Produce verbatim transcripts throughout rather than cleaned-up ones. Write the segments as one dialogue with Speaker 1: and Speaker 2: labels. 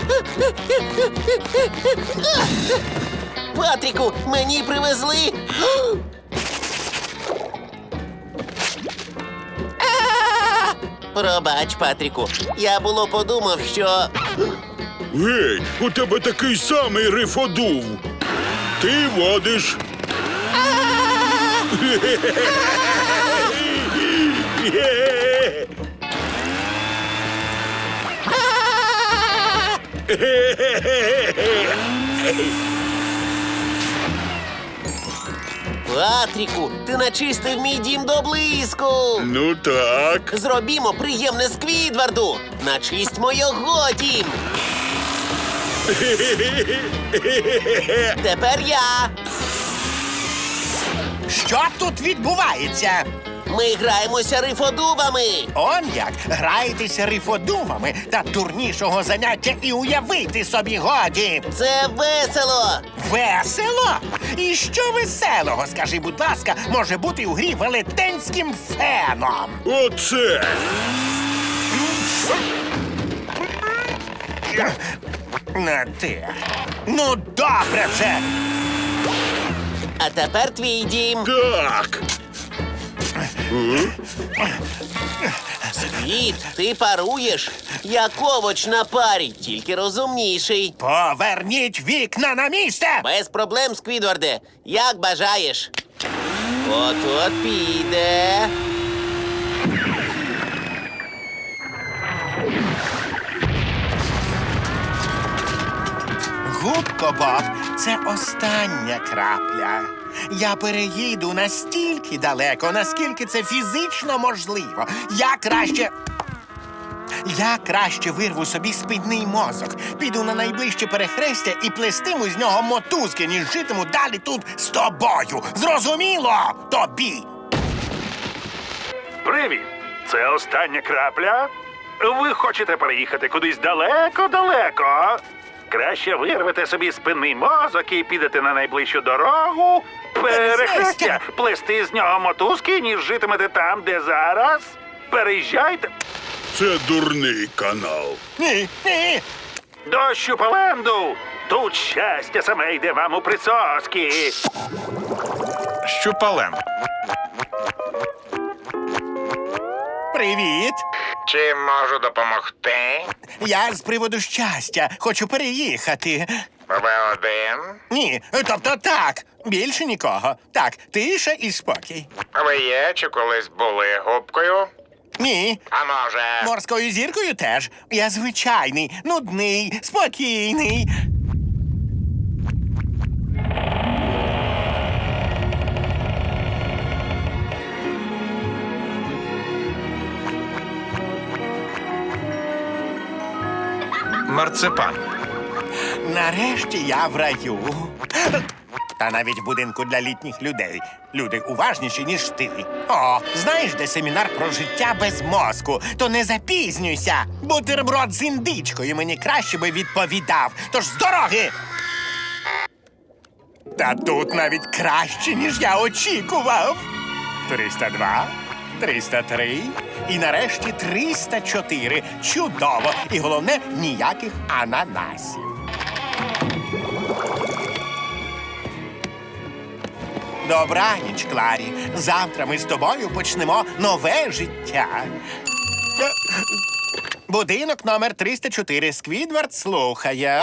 Speaker 1: Патріку, мені привезли. Пробач, Патріку. Я було подумав, що...
Speaker 2: Гей, у тебе такий самий рифодув. Ти водиш.
Speaker 1: Патріку, ти начистив мій дім до блиску.
Speaker 2: Ну так.
Speaker 1: Зробімо приємне Сквідварду. Начисть мого дім. Тепер я.
Speaker 3: Що тут відбувається?
Speaker 1: Ми граємося рифодубами.
Speaker 3: Он як граєтеся рифодумами, та дурнішого заняття і уявити собі годі.
Speaker 1: Це весело.
Speaker 3: Весело? І що веселого, скажи, будь ласка, може бути у грі велетенським феном?
Speaker 2: Оце.
Speaker 3: На те. Ну, добре вже.
Speaker 1: А тепер твій дім.
Speaker 2: Так.
Speaker 1: Сквід, ти паруєш. Як овоч на парі, тільки розумніший.
Speaker 3: Поверніть вікна на місце!
Speaker 1: Без проблем, Сквідварде. Як бажаєш. От-от піде.
Speaker 3: Губко Боб, це остання крапля. Я переїду настільки далеко, наскільки це фізично можливо. Я краще... Я краще вирву собі спідний мозок, піду на найближче перехрестя і плестиму з нього мотузки, ніж житиму далі тут з тобою. Зрозуміло тобі?
Speaker 4: Привіт! Це остання крапля? Ви хочете переїхати кудись далеко-далеко? Краще вирвете собі спинний мозок і підете на найближчу дорогу, перехрестя, плести з нього мотузки, ніж житимете там, де зараз. Переїжджайте
Speaker 2: Це дурний канал.
Speaker 3: Ні, ні.
Speaker 4: до Щупаленду. Тут щастя саме йде вам у присоски.
Speaker 5: Щупалем.
Speaker 3: Привіт.
Speaker 6: Чим можу допомогти?
Speaker 3: Я з приводу щастя. Хочу переїхати.
Speaker 6: Ви один?
Speaker 3: Ні, тобто так. Більше нікого. Так, тиша і спокій.
Speaker 6: Ви є чи колись були губкою?
Speaker 3: Ні.
Speaker 6: А може...
Speaker 3: Морською зіркою теж. Я звичайний, нудний, спокійний.
Speaker 5: Марципан.
Speaker 3: Нарешті я в раю. Та навіть в будинку для літніх людей. Люди уважніші, ніж ти. О, знаєш, де семінар про життя без мозку? То не запізнюйся. Бутерброд з індичкою мені краще би відповідав. Тож з дороги! Та тут навіть краще, ніж я очікував. триста два, триста три і нарешті триста чотири. Чудово! І головне, ніяких ананасів. Добраніч, Кларі. Завтра ми з тобою почнемо нове життя. Будинок номер триста чотири. Сквідвард слухає.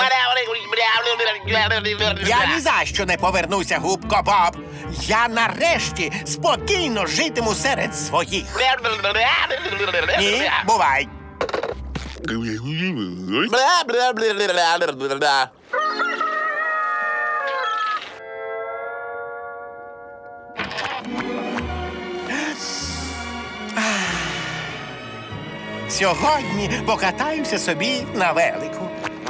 Speaker 3: Я ні за що не повернуся, губко Боб. Я нарешті спокійно житиму серед своїх. Ні, бувай.
Speaker 1: Бла-бла-бла-бла-бла-бла.
Speaker 3: Сьогодні покатаюся собі на велику.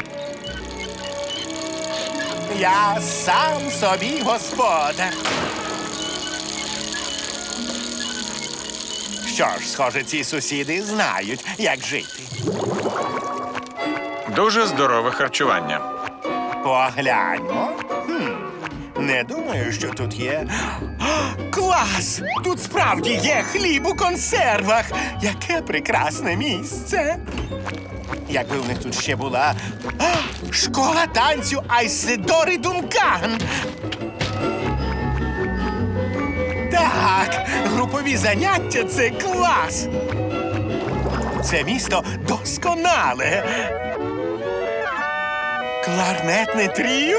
Speaker 3: Я сам собі господар. Що ж, схоже, ці сусіди знають, як жити.
Speaker 5: Дуже здорове харчування.
Speaker 3: Погляньмо. Хм, не думаю, що тут є. О, клас! Тут справді є хліб у консервах. Яке прекрасне місце. Якби в них тут ще була а, школа танцю Айседори Дункан. Так, групові заняття – це клас. Це місто досконале. Кларнетне тріо?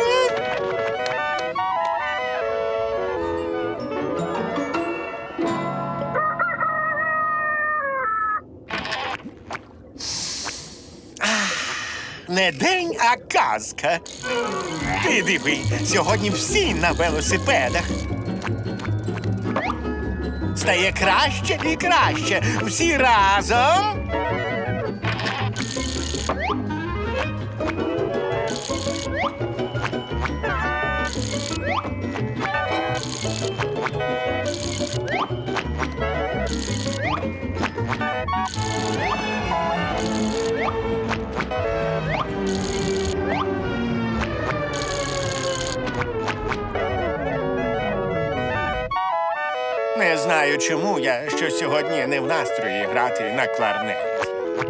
Speaker 3: Не день, а казка. Ти диви, сьогодні всі на велосипедах. Стає краще і краще. Всі разом. Не знаю, чому я що сьогодні не в настрої грати на кларнеті.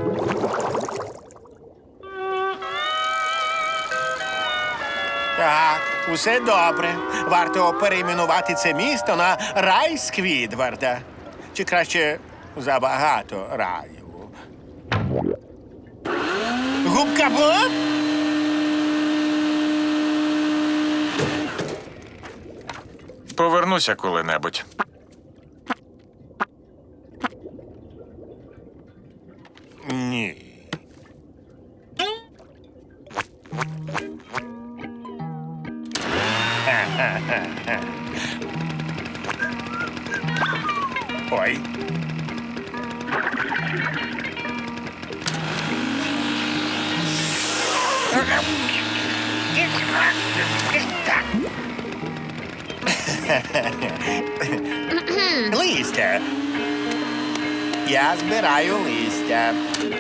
Speaker 3: Так, усе добре. Варто перейменувати це місто на рай Сквідварда. Чи краще забагато раю. Губка Боб?
Speaker 5: Повернуся коли-небудь.
Speaker 3: Ні. Ой. Листя. Я збираю листя.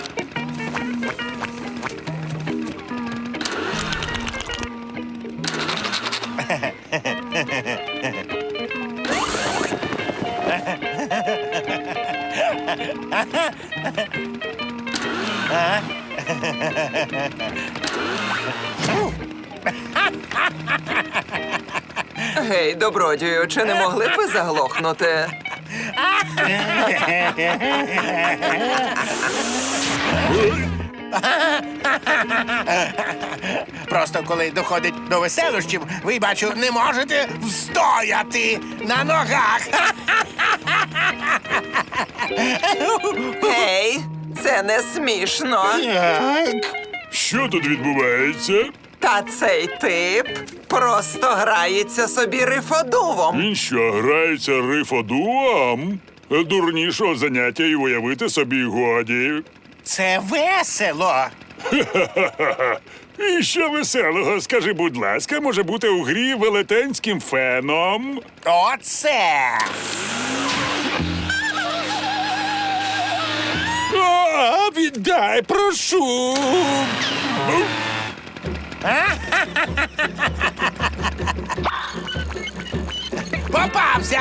Speaker 7: Гей, добродію, чи не могли б ви заглохнути?
Speaker 3: Просто коли доходить до веселощів, ви, бачу, не можете встояти на ногах.
Speaker 7: Гей, це не смішно.
Speaker 2: Так. Що тут відбувається?
Speaker 7: Та цей тип просто грається собі рифодувом.
Speaker 2: Він що, грається рифодуам? Дурнішого заняття і уявити собі годі.
Speaker 3: Це весело.
Speaker 2: І що веселого, скажи, будь ласка, може бути у грі велетенським феном?
Speaker 3: Оце.
Speaker 2: А, віддай, прошу.
Speaker 3: Попався.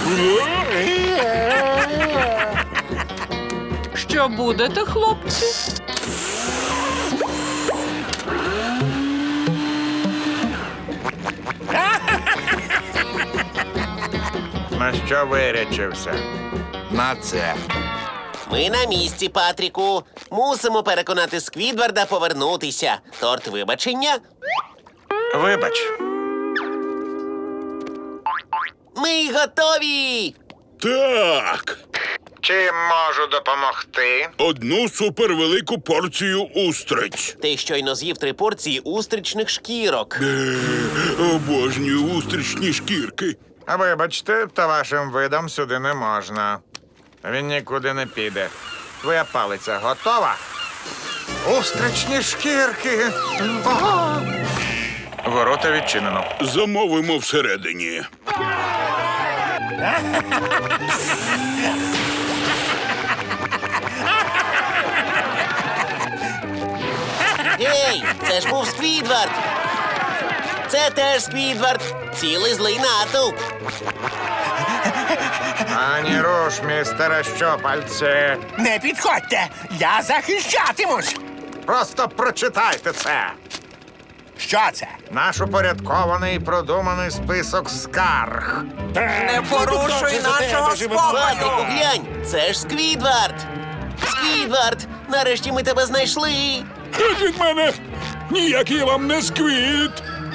Speaker 8: Що будете, хлопці?
Speaker 6: На що вирячився?
Speaker 3: На це.
Speaker 1: Ми на місці, Патріку. Мусимо переконати Сквідварда повернутися. Торт вибачення.
Speaker 5: Вибач.
Speaker 1: Ми готові!
Speaker 2: Так.
Speaker 6: Чим можу допомогти?
Speaker 2: Одну супервелику порцію устриць.
Speaker 1: Ти щойно з'їв три порції устричних шкірок.
Speaker 2: Е, Обожнюю устричні шкірки.
Speaker 6: А вибачте, та вашим видам сюди не можна. Він нікуди не піде. Твоя палиця готова? Устричні шкірки. Ого!
Speaker 5: Ворота відчинено.
Speaker 2: Замовимо всередині.
Speaker 1: Гей, це ж був Сквідвард! Це теж Сквідвард! Цілий злий натовп!
Speaker 6: Ані руш, містере Щопальце.
Speaker 3: Не підходьте. Я захищатимусь.
Speaker 6: Просто прочитайте це.
Speaker 3: Що це?
Speaker 6: Наш упорядкований і продуманий список скарг.
Speaker 7: Не порушуй нашого
Speaker 1: Патріку,
Speaker 7: спокою!
Speaker 1: глянь, це ж Сквідвард! Сквідвард, нарешті ми тебе знайшли!
Speaker 2: Геть від мене! Ніякий я вам не сквіт!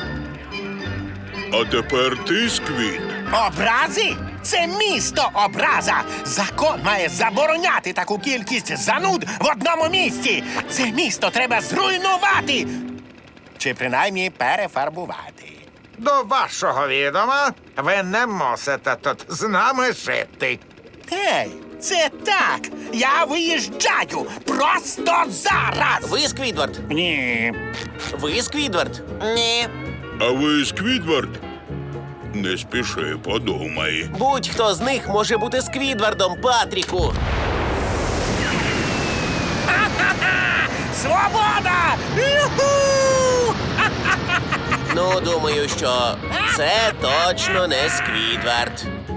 Speaker 2: А тепер ти сквіт.
Speaker 3: Образи? Це місто образа. Закон має забороняти таку кількість зануд в одному місці. Це місто треба зруйнувати. Чи принаймні перефарбувати.
Speaker 6: До вашого відома, ви не мусите тут з нами жити.
Speaker 3: Гей, це так. Я виїжджаю просто зараз.
Speaker 1: Ви Сквідвард?
Speaker 3: Ні.
Speaker 1: Ви Сквідвард?
Speaker 7: Ні.
Speaker 2: А ви Сквідвард? Не спіши, подумай.
Speaker 1: Будь-хто з них може бути Сквідвардом, Патріку!
Speaker 3: Свобода! Юху!
Speaker 1: Ну, думаю, що це точно не Сквідвард.